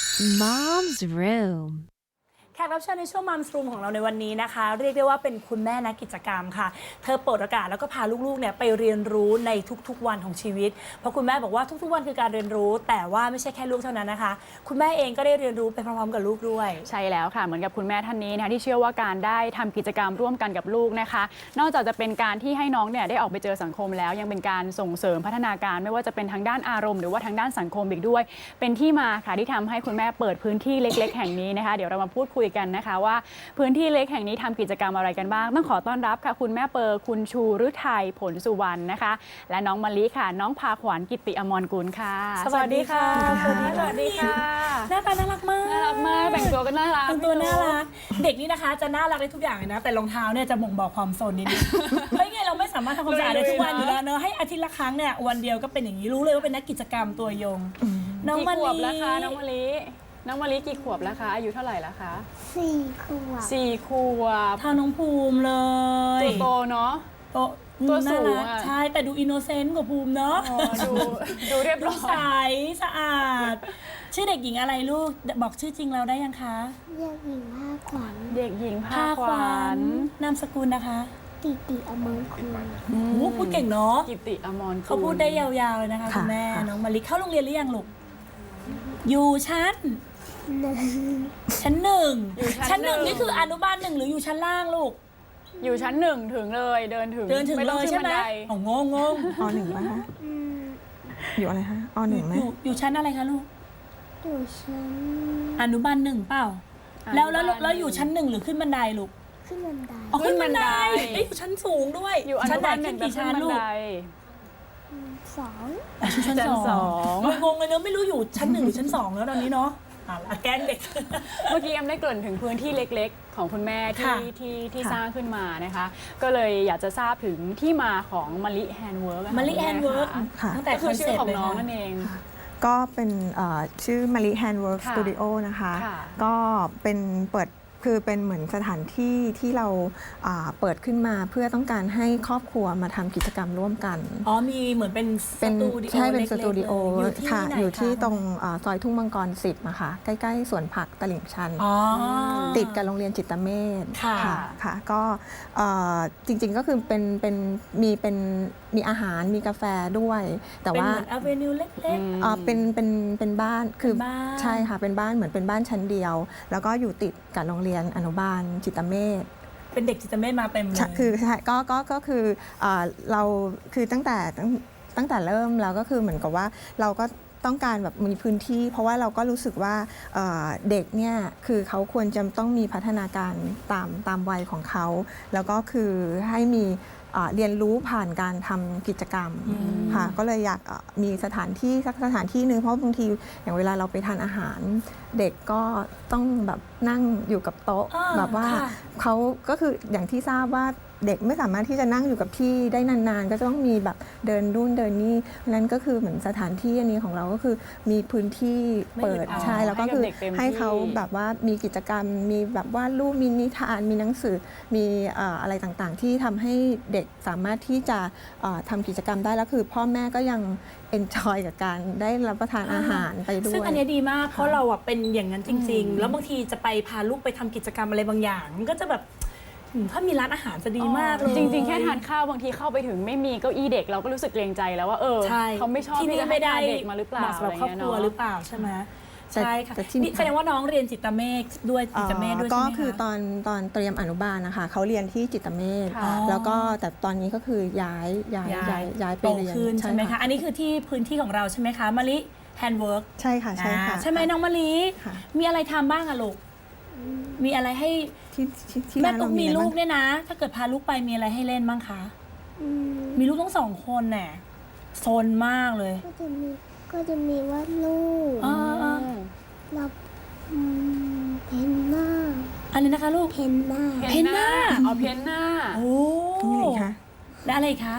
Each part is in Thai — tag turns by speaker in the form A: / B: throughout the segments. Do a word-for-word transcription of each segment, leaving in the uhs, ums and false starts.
A: Mom's Room
B: แขกรับเชิญในช่วงมัมส์รูมของเราในวันนี้นะคะเรียกได้ว่าเป็นคุณแม่นักกิจกรรมค่ะเธอเปิดโอกาสแล้วก็พาลูกๆเนี่ยไปเรียนรู้ในทุกๆวันของชีวิตเพราะคุณแม่บอกว่าทุกๆวันคือการเรียนรู้แต่ว่าไม่ใช่แค่ลูกเท่านั้นนะคะคุณแม่เองก็ได้เรียนรู้ไปพร้อมๆกับลูกด้วย
C: ใช่แล้วค่ะเหมือนกับคุณแม่ท่านนี้นะคะที่เชื่อว่าการได้ทำกิจกรรมร่วมกันกับลูกนะคะนอกจากจะเป็นการที่ให้น้องเนี่ยได้ออกไปเจอสังคมแล้วยังเป็นการส่งเสริมพัฒนาการไม่ว่าจะเป็นทางด้านอารมณ์หรือว่าทางด้านสังคมอีกด้วยเป็นที่มาค่ะที่ทำให้คุณแม่เปิดพื้นที่เล็กๆแห่งนี้นะคะเดี๋ยวเรามาพูดคุยกันนะคะว่าพื้นที่เล็กแห่งนี้ทำกิจกรรมอะไรกันบ้างต้องขอต้อนรับค่ะคุณแม่เปอร์คุณชูฤทัยผลสุวรรณนะคะและน้องมะลิค่ะน้องพาขวัญกิติอมรกุลค่ะ
B: สวัสดีค่ะสวัสดีค่ะหน้าตาน่ารักมาก
C: น่ารักมากแต่งตัวก็น่ารัก
B: แต่งตัวน่ารักเด็กนี่นะคะจะน่ารักได้ทุกอย่างเลยนะแต่รองเท้าเนี่ยจะบ่งบอกความโซนนิดนึงไม่ไงเราไม่สามารถทำความสะอาดได้ทุกวันอยู่แล้วเนอะให้อาทิตย์ละครั้งเนี่ยวันเดียวก็เป็นอย่างนี้รู้เลยว่าเป็นนักกิจกรรมตัวยงน้องมะลิ
C: กี่ขวบแล้วคะน้องมะลิน้องมะลิกี่ขวบแล้วคะอายุเท่าไหร่แล้วคะ
D: สี่ขวบ
C: สี่ขวบ
B: เท่าน้องภูมิเลย
C: ตัวโตเนาะ
B: โต
C: ตัวสูงอ่ะ
B: ใช่แต่ดูอินโนเซนต์กว่าภูมิเนาะ
C: ดูดูเรียบร้อย
B: ใสสะอาดชื่อเด็กหญิงอะไรลูกบอกชื่อจริงเราได้ยังคะ
D: เด็กหญิงภาขวัญ
C: เด็กหญิงภาขวัญ
B: นามสกุลนะคะ
D: กิติอมรกุล
B: โอ้พูดเก่งเนาะ
C: กิติอมรกุล
B: เขาพูดได้ยาวๆเลยนะคะคุณแม่น้องมะลิเข้าโรงเรียนหรือยังลูกอยู่ชั้นชั้นหนึ่งชั้นหนึ่งนี่คืออนุบาลหนึ่งหรืออยู่ชั้นล่างลูก
C: อยู่ชั้นหนึ่งถึงเลยเดินถึง
B: เดินถึงเลยใช่ไหมอ๋องงงง
E: อหนึ่งป่ะคะอยู่อะไรคะอหนึ่งไหม
B: อยู่ชั้นอะไรคะลูก
D: อยู่ชั้น
B: อนุบาลหนึ่งเปล่าแล้วแล้วแล้วอยู่ชั้นหนึ่งหรือขึ้นบันไดลูก
D: ขึ้นบันได
B: ขึ้นบันไดได้อยู่ชั้นสูงด้วย
C: อยู่อนุบาลหนึ่งกี่ชั้นลูก
D: สอง
B: ชั้นสองงงเลยเนอะไม่รู้อยู่ชั้นหนึ่งหรือชั้นสองแล้วตอนนี้เนาะแกล้งเด็ก
C: เมื่อกี้แอมได้เกริ่นถึงพื้นที่เล็กๆของคุณแม่ที่ที่ที่สร้างขึ้นมานะคะก็เลยอยากจะทราบถึงที่มาของมะลิแฮนด์เวิร์ก
B: มะลิแฮนด์เวิร์กตั้งแต่
C: คือชื่อของน้องนั่นเอง
E: ก็เป็นชื่อมะลิแฮนด์เวิร์กสตูดิโอนะคะก็เป็นเปิดคือเป็นเหมือนสถานที่ที่เราเปิดขึ้นมาเพื่อต้องการให้ครอบครัวมาทำกิจกรรมร่วมกัน
B: อ๋อมีเหมือนเป็นสตูดิโอ
E: ใช่เป็นสตูดิโอค่ะอยู่ที่ตรงซอยทุ่งมังกรสิบนะคะใกล้ๆสวนผักตลิ่งชันติดกับโรงเรียนจิตเมธ
B: ค่ะ
E: ค่ะก็จริงๆก็คือเป็นเป็นมีเป็นมีอาหารมีกาแฟด้วยแต่ว่า
B: เป็นเหมือนอเวนิวเล็ก
E: ๆเป็นเป็นเป็นบ้านคือใช่ค่ะเป็นบ้านเหมือนเป็นบ้านชั้นเดียวแล้วก็อยู่ติดกับโรงเรียนอนุบาลจิตเมธ
B: เป็นเด็กจิตเมธมาเต็มเลย
E: คือใช่ก็ก็ก็คือเราคือตั้งแต่ตั้งแต่เริ่มแล้วก็คือเหมือนกับว่าเราก็ต้องการแบบมีพื้นที่เพราะว่าเราก็รู้สึกว่าเด็กเนี่ยคือเขาควรจะต้องมีพัฒนาการตามตามวัยของเขาแล้วก็คือให้มีเรียนรู้ผ่านการทำกิจกรรมค่ะก็เลยอยากมีสถานที่สักสถานที่หนึ่งเพราะบางทีอย่างเวลาเราไปทานอาหารเด็กก็ต้องแบบนั่งอยู่กับโต๊ะแบบว่าเขาก็คืออย่างที่ทราบว่าเด็กไม่สามารถที่จะนั่งอยู่กับที่ได้นานๆก็จะต้องมีแบบเดินนู่นเดินนี่นั้นก็คือเหมือนสถานที่อันนี้ของเราก็คือมีพื้นที่เปิดใช่แล้วก็คือให้เขาแบบว่ามีกิจกรรมมีแบบวาดรูปมีนิทานมีหนังสือมีอะไรต่างๆที่ทำให้เด็กสามารถที่จะทำกิจกรรมได้แล้วคือพ่อแม่ก็ยังเอนจอยกับการได้รับประทานอาหารไปด้วย
B: ซึ่งอันนี้ดีมากเพราะเราเป็นอย่างนั้นจริงๆแล้วบางทีจะไปพาลูกไปทำกิจกรรมอะไรบางอย่างก็จะแบบถ้ามีร้านอาหารจะดีมากเลย
C: จริงๆแค่ทานข้าวบางทีเข้าไปถึงไม่มีเก้าอี้เด็กเราก็รู้สึกเกรงใจแล้วว่าเออเขาไม่ชอบที่จะให้เด็กมาหรือเปล่า
B: สำหรับครอบครัวหรือเปล่าใช่ไหมใช่ค่ะแสดงว่าน้องเรียนจิตเมธด้วยจิตเมธด้วยใช่ไหมคะ
E: ก็คือตอนตอนเตรียมอนุบาลนะคะเขาเรียนที่จิตเมธแล้วก็แต่ตอนนี้ก็คือย้ายย้ายย้ายย้ายไปเรียน
B: ใช่ไหมคะอันนี้คือที่พื้นที่ของเราใช่ไหมคะมะลิแฮนด์เวิร์ก
E: ใช่ค่ะใช่ค่ะ
B: ใช่ไหมน้องมะลิมีอะไรทำบ้างอะลูกมีอะไรให้แม่ตุ๊กมีลูกเนี่ยนะถ้าเกิดพาลูกไปมีอะไรให้เล่นบ้างคะมีลูกทั้งสองคนแน่โซนมากเลย
D: ก็จะมีก็จะมีวาดรูปรับเพนหน้า
B: อะไรนะคะลูก
D: เพนหน้า
B: เพนหน้า
C: เอาเพนหน้า
B: โอ้
E: นี่คะ
B: แล้วอะไรคะ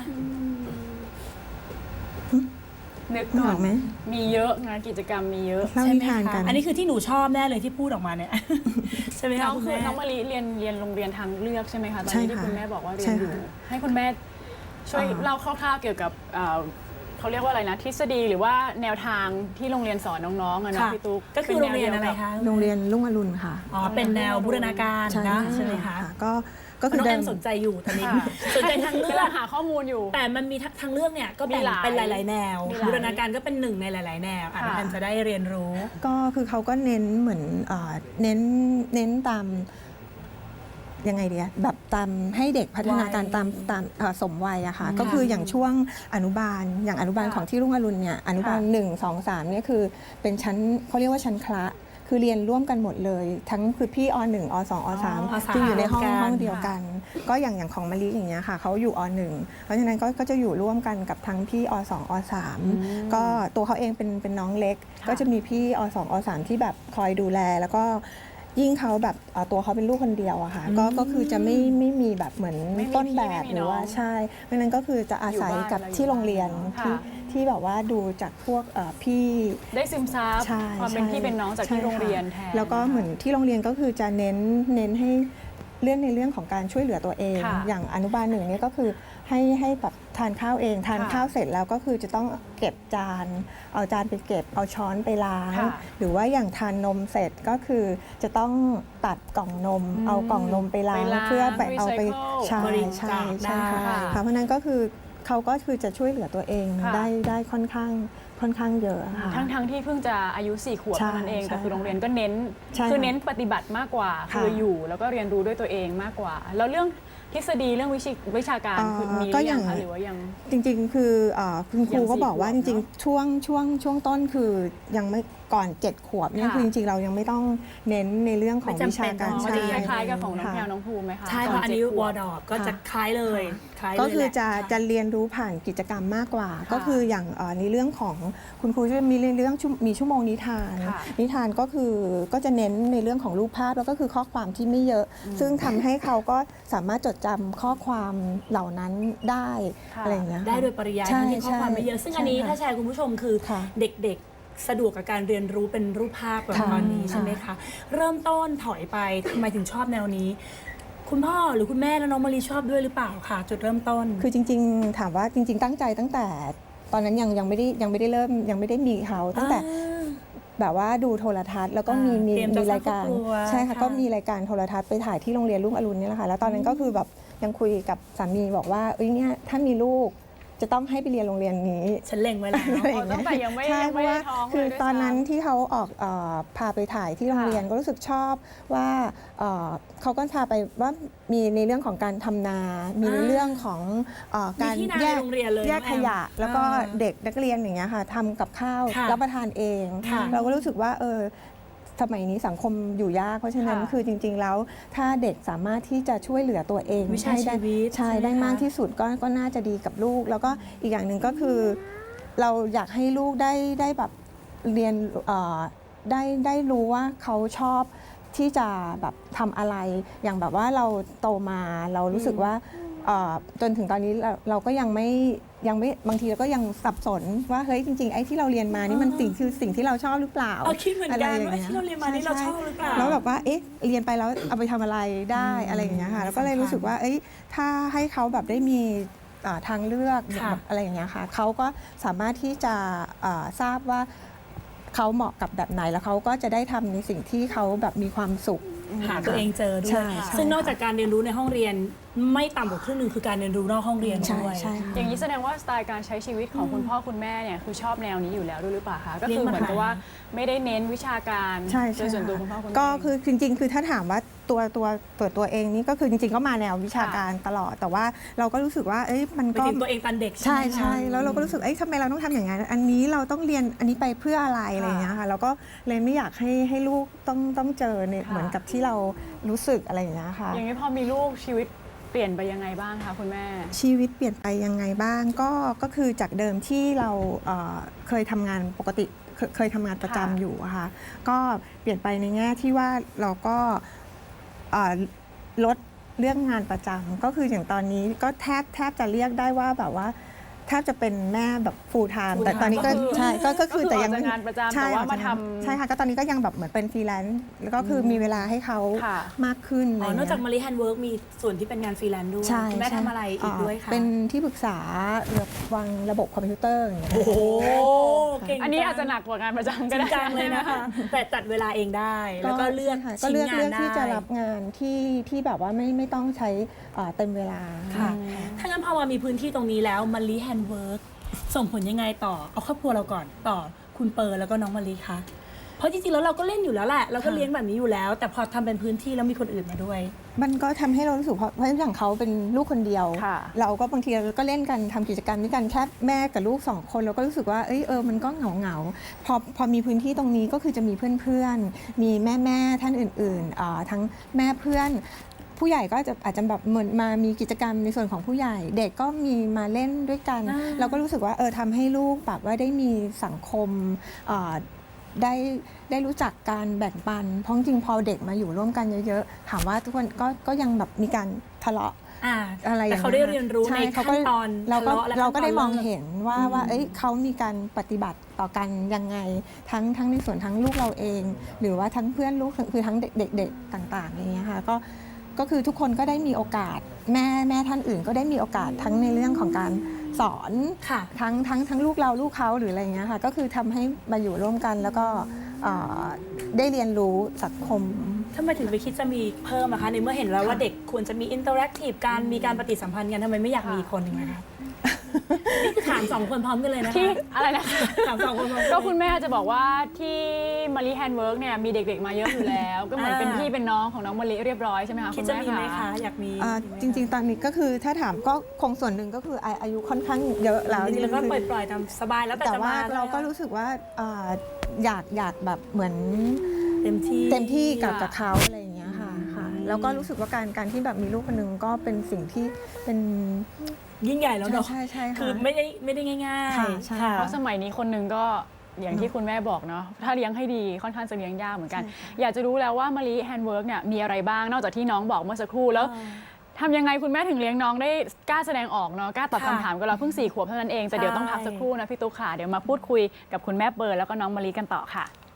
C: นึกก่อนไหมมีเยอะงานกิจกรรมมีเยอะ
E: ใช่ไหมคะ
B: อันนี้คือที่หนูชอบแน่เลยที่พูดออกมาเนี่ยใช่ไหมคะ
C: น้องคือน้องมะลิเรียนเรียนโรงเรียนทางเลือกใช่ไหมคะตอนนี้ที่คุณแม่บอกว่าเรียนอยู่ให้คุณแม่ช่วยเล่าคร่าวๆเกี่ยวกับเขาเรียกว่าอะไรนะทฤษฎีหรือว่าแนวทางที่โรงเรียนสอนน้องๆอะเนาะ
B: ค่ะ
C: พี่ตุ๊ก
B: ก็คือโรงเรียนอะไรคะ
E: โรงเรียนรุ่งอรุณค่ะ
B: อ๋อเป็นแนวบูรณาการนะใช่ไหมคะ
E: ก็ก็คือ
B: น้อง
E: เดิ
B: แอม
E: ม
B: สนใจอยู่ตอนนี้
C: ค่ะ
B: สนใจทางเลื
C: กำ
B: อ
C: ลั
B: ก
C: งหาข้อมูลอยู่
B: แต่มันมีทางเลือกเนี่ยก็แบ่ง
C: มีหลาย
B: เป็นหลาย ๆ แนว
C: มีหลาย
B: บูรณาการก็เป็นหนึ่งในหลาย ๆ แนวอ่ะ
C: ค่ะ
B: น้องแอมจะได้เรียนรู้
E: ก็คือเขาก็เน้นเหมือนเอ่อเน้นเน้นตามยังไงเดียแบบตามให้เด็กพัฒนาการ
B: วัย
E: ตามตามเอ่อสมวัยอะค่ะก็คืออย่างช่วงอนุบาลอย่างอนุบาล
C: ค่ะ
E: ของที่รุ่งอรุณเนี่ยอนุบาล
C: ค่ะ
E: หนึ่งสองสามเนี่ยคือเป็นชั้นเขาเรียกว่าชั้นคละคือเรียนร่วมกันหมดเลย ทั้งคือพี่อหนึ่งอสองอสาม
B: อสาม
E: คืออยู่ในห้อง
B: รวมกัน
E: ห้องเดียวกัน ก็อย่างอย่างของมะลิอย่างเงี้ยค่ะเขาอยู่อหนึ่งเพราะฉะนั้นก็ก็จะอยู่ร่วมกันกับทั้งพี่อสองอสามก็ตัวเขาเองเป็นเป็นน้องเล็ก
C: ค่ะ
E: ก็จะมีพี่อสองอสามที่แบบคอยดูแล แล้วก็ยิ่งเขาแบบเอ่อตัวเขาเป็นลูกคนเดียวอะค่ะก็ก็คือจะไม่ไม่มีแบบเหมือน
C: ไม่มี
E: ต้นแบบ
C: พี่ไม่มี
E: หรือว่า
C: น้อง
E: ใช่เพราะฉะนั้นก็คือจะอาศัย
C: อยู่บ้าน
E: กับ
C: อะไร
E: ที่โรงเรียน
C: ค่ะ
E: ที่ที่แบบว่าดูจากพวกเอ่อพี่
C: ได้ซึมซับ
E: ใช่
C: ความเป็น
E: ใช่
C: พี่เป็นน้องจาก
E: ใช่
C: ที่โรงเรียนแท
E: ค่ะ
C: น
E: แล้วก็เหมือนที่โรงเรียนก็คือจะเน้นเน้นให้เรื่องในเรื่องของการช่วยเหลือตัวเอง
C: ค่ะ
E: อย่างอนุบาลหนึ่งเนี่ยก็คือให้ให้แบบทานข้าวเอง ทาน
C: ค่ะ
E: ข้าวเสร็จแล้วก็คือจะต้องเก็บจาน เอาจานไปเก็บเอาช้อนไปล้าง
C: ค่ะ
E: หรือว่าอย่างทานนมเสร็จก็คือจะต้องตัดกล่องนม เอากล่องนมไปล้าง
C: ไปล้าง
E: เพื่อไปเอาไป
C: recycle
E: ใช่
B: บริ
E: ใช่
B: จาค
E: ใช่ค่ะ
B: ได้
E: ค่ะเพราะฉะนั้นก็คือเขาก็คือจะช่วยเหลือตัวเอง
C: ค่ะ
E: ได้ได้ค่อนข้างค่อนข้างเยอะค่ะ
C: ทั้งทั้งที่เพิ่งจะอายุสี่ขวบ
E: ใช่
C: เท่านั้นเอง
E: ใช่
C: แต่คือโรงเรียนก็เน้น
E: ใช่
C: คือ
E: ค่ะ
C: เน้นปฏิบัติมากกว่า
E: ค่ะ
C: คืออยู่แล้วก็เรียนรู้ด้วยตัวเองมากกว่า แล้วเรื่องทฤษฎีเรื่องวิชาวิชาการ
E: เอ่อ
C: คือมีห
E: ก็
C: รือ
E: อ
C: ยั
E: ย่าง
C: งคะหรือว่ายัง
E: จริงๆ คือเอ่อคุณครู
C: อย่าง
E: ก็
C: สี่
E: บอกว่า
C: ขว
E: จ
C: บ
E: ริง
C: เนอะ
E: ๆ ช่วงช่วงช่วงต้นคือยังไม่ก่อนเจ็ดขวบเนี่ย
C: ค่ะ
E: คือจริงๆ เรายังไม่ต้องเน้นในเรื่องของ
B: ไม่จำ
E: วิชาการ
B: เป็น
C: มัน
B: ใช่
C: จะคล้ายๆกับของน้อง
E: ค่ะ
C: แพรวน้องภูมิไหมคะ
B: ใช่
C: ต
B: เพราะอันนี้
C: เจ็ดข
B: ว
C: ว
B: อบ ร์ดอก็จะคล้ายเลยคล้ายเลย
E: ก็คือจะ
B: แหล
E: จะเรียนรู้ผ่านกิจกรรมมากกว่า
C: ค่ะ
E: ก็คืออย่างเอ่อในเรื่องของคุณครูจะมีเรื่องชั่วมีชั่วโมงนิทาน
C: ค่ะ
E: นิทานก็คือก็จะเน้นในเรื่องของรูปภาพแล้วก็คือข้อความที่ไม่เยอะ ซึ่งทำให้เขาก็สามารถจดจำข้อความเหล่านั้นได้
C: ค่ะ
E: อะไรอย่างเงี้ย
B: ได้โดยปริยาย
E: ใช่
B: ทั้งที่ข้อความไม่เยอะ ซึ่งอันนี้
E: ใช่ค่ะ
B: ถ้าแชร์คุณผู้ชมคือ
E: ค่ะ
B: เด็กๆ สะดวกกับการเรียนรู้เป็นรูปภาพแบบ
E: ค่ะ
B: ตอนนี้ใช่ไหมคะ เริ่มต้นถอยไปทำไมถึงชอบแนวนี้ คุณพ่อหรือคุณแม่และน้องมารีชอบด้วยหรือเปล่าคะจุดเริ่มต้น
E: คือจริงๆ ถามว่าจริง ๆ ตั้งใจตั้งแต่ตอนนั้นยังยังไม่ได้ยังไม่ได้เริ่มยังไม่ได้มีเขาตั้งแต่ แบบว่าดูโทรทัศน์แล้วก็มี
B: อ่า
E: มี
B: เตรียมจะ
E: มีรายการ
B: สร้างครอบครัว
E: ใช่ค่ะ
B: ค่ะ
E: ก็มีรายการโทรทัศน์ไปถ่ายที่โรงเรียนรุ่งอรุณนี่แหละค่ะแล้วตอนนั้นก็คือแบบยังคุยกับสามีบอกว่าเอ้ยเนี่ยถ้ามีลูกจะต้องให้ไปเรียนโรงเรียนนี้
B: ฉันเล็งไว้แล้ว
E: อะไรอ
C: อ๋อย่าง ตั้
E: เงี้
C: งแต่ยังไม่
E: ใช่
C: ยัง
E: เพ
C: ไม่
E: ราะ
C: ได้
E: ว่า
C: ท้องเลย
E: คือ
C: ด้วย
E: ตอนนั้น
C: ซ้ำ
E: ที่เขาออกเอ่อพาไปถ่ายที่โรง
C: ค่ะ
E: เรียนก็รู้สึกชอบว่าเอ่อเขาก็พาไปว่ามีในเรื่องของการทำนา มีใน
B: อ่า
E: เรื่องของเอ่อการ
B: มีที่นา
E: แยก
B: ในโรงเรียนเลย
E: แยก
B: น้องแอม
E: ขยะ แล้วก็
B: อ่า
E: เด็กนักเรียนอย่างเงี้ยค่ะทำกับข้าว
B: ค่ะ
E: รับประทานเอง
B: ค่ะ
E: เราก็รู้สึกว่าเออสมัยนี้สังคมอยู่ยาก เพราะฉะนั้น
C: ค่ะ
E: คือจริง ๆ แล้วถ้าเด็กสามารถที่จะช่วยเหลือตัวเอง
B: วิชา
E: ให้ได้
B: ชีวิต
E: ใช่
B: ใช่ไหม
E: ได้
B: คะ
E: มากที่สุดก็ก็น่าจะดีกับลูก แล้วก็อีกอย่างหนึ่งก็คือ เราอยากให้ลูกได้ได้แบบเรียนเอ่อได้ได้รู้ว่าเขาชอบที่จะแบบทำอะไร อย่างแบบว่าเราโตมาเรารู้สึกว่าเอ่อจนถึงตอนนี้เราเราก็ยังไม่ยังไม่บางทีเราก็ยังสับสนว่าเฮ้ยจริงๆไอ้ที่เราเรียนมานี่มันสิ่งคือสิ่งที่เราชอบหรือเปล่า
B: เออคิดเหมือนกัน
E: ะไย่ง
B: ว่า
E: งี้ย
B: ที่เราเรียนมานี่เรา
E: ใ
B: ชอบหรือเปล่า
E: แล้วแบบว่าเอ๊ะเรียนไปแล้วเอาไปทำอะไรได้อะไรอย่างเงี้ยค่ะแล้วก็เลยรู้สึกว่าเอ้ยถ้าให้เขาแบบได้มีอ่าทางเลือก
B: ค่ะ
E: แบบอะไรอย่างเงี้ยค่ะเขาก็สามารถที่จะอ่าทราบว่าเขาเหมาะกับแบบไหนแล้วเขาก็จะได้ทำในสิ่งที่เขาแบบมีความสุข
B: หาตัวเองเจอด้ว
E: ใช่
B: ย
E: ใช่
B: ซึ่งนอกจากการเรียนรู้ในห้องเรียนไม่ต่ำกว่าครึ่งหนึ่งคือการเรียนรู้นอกห้องเรียน
E: ใช่
B: ด้วย
E: ใช่ค่ะ
C: อย่างนี้แสดงว่าสไตล์การใช้ชีวิตของคุณพ่อคุณแม่เนี่ยคือชอบแนวนี้อยู่แล้วด้วยหรือเปล่าคะก็คือเหมือนกับว่าไม่ได้เน้นวิชาการ
E: ใช่
C: โด
E: ใช่
C: ยส่วนตัว
E: ค่ะ
C: คุณพ่อคุณแม่
E: ก็คือจริงๆ คือถ้าถามว่าตัวตัวตัวตัวเองนี่ก็คือจริงๆ ก็มาแนววิชาการตลอด แต่ว่าเราก็รู้สึกว่าเอ้ยมัน
B: ไป
E: ก็
B: ถึงตัวเองตอนเด็ก
E: ใช่
B: ไหมคะ
E: ใช่แล้วเราก็รู้สึกเอ้ยทำไมเราต้องทำอย่างนั้นอันนี้เราต้องเรียนอันนี้ไปเพื่ออะไรอะไรอย่างเงี้ยค่ะเราก็เลยไม่อยากให้ให้ลูกต้องต้องเจอเนี่ย
C: ค่ะ
E: เหมือนกับที่เรารู้สึกอะไรอย่างเงี้ยค่ะ
C: อย่างนี้พอมีลูกชีวิตเปลี่ยนไปยังไงบ้างคะคุณแม่
E: ชีวิตเปลี่ยนไปยังไงบ้างก็ก็คือจากเดิมที่เราเอ่อเคยทำงานปกติเคยเคยทำงานประจำ
C: ค่ะ
E: อยู่อะค่ะก็เปลี่ยนไปในแง่ที่ว่าเราก็เอ่อลดเรื่องงานประจำก็คืออย่างตอนนี้ก็แทบแทบจะเรียกได้ว่าแบบว่าแทบจะเป็นแม่แบบ full time
B: full
E: แต่ตอนนี้ก็
B: time
E: ใช่ก็ก็คือ
C: ก็คือ
E: แต่ยัง
C: ออกจากงานประจำ
E: ใช่
C: แต่ว่า
E: ออกจก
C: มาทำ
E: ใช่ค่ะก็ตอนนี้ก็ยังแบบเหมือนเป็นฟรีแลนซ์แล้วก็คือมีเวลาให้เขา
C: ค่ะ
E: มากขึ้น
B: อ๋อ
E: ะไร
B: นอกจาก
E: เงี้ย
B: มารีแฮนด์เวิร์กมีส่วนที่เป็นงานฟรีแลนซ์ด้วย
E: ใช่
B: คุณแม่
E: ใช่
B: ทำอะไรอีกด้วยคะ
E: เป็นที่ปรึกษาเกี่ยวกับวางระบบคอมพิวเตอร์อย่างเงี้ย
B: โอ้โหเก่ง
C: อันนี้อาจจะหนักกว่างานประจำ
B: จ
C: ก็
B: ริ
C: ได้
B: งจังเลยนะคะ แต่จัดเวลาเองได้ แล้วก็เลือก
E: ใช่ค่ะก็
B: ชิ้น
E: เลือก
B: งา
E: เลื
B: น
E: อก
B: ได้
E: ที่จะรับงานที่ที่แบบว่าไม่ไม่ต้องใช้เอ่อเต็มเวลา
B: ค่ะ ถ้างั้นพอมามีพื้นที่ตรงนี้แล้วมารีแฮนด์เวิร์กส่งผลยังไงต่อ เอาครอบครัวเราก่อนต่อคุณเปิร์แล้วก็น้องมารีคะเพราะจริงๆแล้วเราก็เล่นอยู่แล้วแหละเราก็เลี้ยงแบบนี้อยู่แล้ว แต่พอทำเป็นพื้นที่แล้วมีคนอื่นมาด้วย
E: มันก็ทำให้เรารู้สึกเพราะเพราะอย่างเขาเป็นลูกคนเดียว
C: ค่ะ
E: เราก็บางทีเราก็เล่นกันทำกิจกรรมด้วยกันแค่แม่กับลูกสองคนเราก็รู้สึกว่าเอยเออมันก็เหงาเหงาๆพอพอมีพื้นที่ตรงนี้ก็คือจะมีเพื่อนๆ มีแม่แม่ๆท่านอื่นๆอ่าทั้งแม่เพื่อน ผู้ใหญ่ก็จะอาจจะแบบเหมือนมามีกิจกรรมในส่วนของผู้ใหญ่ เด็กก็มีมาเล่นด้วยกัน
B: อ่า
E: เราก็รู้สึกว่าเออทำให้ลูกแบบว่าได้มีสังคมอ่าได้ได้รู้จักการแบ่งปันเพราะจริงๆพอเด็กมาอยู่ร่วมกันเยอะๆถามว่าทุกคนก็ก็ยังแบบมีการทะเลาะ
B: อ่า
E: อะไรอย่าง
B: แต่
E: เงี้ย
B: เขาได้เรียนรู้ใน
E: ช่
B: ขั้
E: ขก็
B: นตอน
E: เราก็
B: ทะเลาะและ
E: เราก็ได้
B: ขั้นตอน
E: มอง
B: เลิก
E: เห็นว่า
B: อืม
E: ว่าเอ้ยเขามีการปฏิบัติต่อกันยังไงทั้งทั้งในส่วนทั้งลูกเราเอง หรือว่าทั้งเพื่อนลูกคือทั้งเด็กๆต่างๆอย่างเงี้ยค่ะก็ก็คือทุกคนก็ได้มีโอกาสแม่แม่ท่านอื่นก็ได้มีโอกาสทั้งในเรื่องของการสอน
B: ค่ะ
E: ทั้งทั้งทั้งลูกเราลูกเขาหรืออะไรเงี้ยค่ะก็คือทำให้มาอยู่ร่วมกันแล้วก็เอ่อได้เรียนรู้สังคม
B: ทำไมถึงไปคิดจะมีเพิ่มอะคะในเมื่อเห็นแล้วว่าเด็กควรจะมีอินเตอร์แอคทีฟการมีการปฏิสัมพันธ์กันทำไมไม่อยากมีอีกคนหนึ่งนะคะ นี่คือถามสองคนพร้อมกันเลยนะคะ
C: ที่อะไรนะคะ
B: ถามสองคนพร้อมกัน
C: ก็คุณแม่จะบอกว่าที่มารีแฮนด์เวิร์กเนี่ยมีเด็กๆมาเยอะอยู่แล้ว ก็เหมือนเป็นพี่เป็นน้องของน้องมารีเรียบร้อยใช่ไหมคะ
B: คิ
C: คุ
B: ด
C: ณ
B: จะ
C: แม่
B: มีไหม
C: คะ
B: คะอยากมี
E: อ่าจริง ๆ ตอนนี้ก็คือถ้าถามก็คงส่วนหนึ่งก็คืออาอายุค่อนข้างเยอะแล้ว
B: จริงๆแล้วก็
E: คือ
B: ปล่อยๆตามสบายแล้วแต่
E: แต่
B: จะ
E: ว่า
B: มา
E: เราก็รู้สึกว่าอ่าอยากอยากแบบเหมือน
B: เต็มที่
E: เต็มที่กับ
C: ค่ะ
E: กับเขาอะไรอย่างเงี้ยค่ะค่ะแล้วก็รู้สึกว่าการการที่แบบมีลูกคนหนึงก็เป็นสิ่งที่เป็น
B: ยิ่งใหญ่แล้วเนาะ
E: ใช่ใช่ใช่ค่ะ
B: คือไม่ได้ไม่ได้ง่าย
E: ค่ะ
B: ๆ
E: ใช่
B: ค่ะ
C: เพราะสมัยนี้คนหนึ่งก็อย่างที่คุณแม่บอกเนาะถ้าเลี้ยงให้ดีค่อนข้างจะเลี้ยงยากเหมือนกัน อยากจะรู้แล้วว่ามารีแฮนด์เวิร์กเนี่ยมีอะไรบ้างนอกจากที่น้องบอกเมื่อสักครู่แล้ว
B: อ่า
C: ทำยังไงคุณแม่ถึงเลี้ยงน้องได้กล้าแสดงออกเนาะกล้าตอบ
B: ค่ะ
C: คำถามกับเราเพิ่งสี่ขวบเท่านั้นเองแต่เดี๋ยวต้องพักสักครู่นะพี่ตุ๊กค่ะเดี๋ยวมาพูดคุยกับคุณแม่เบิร์ดแล้วก็น้องมารีกันต่อค่ะ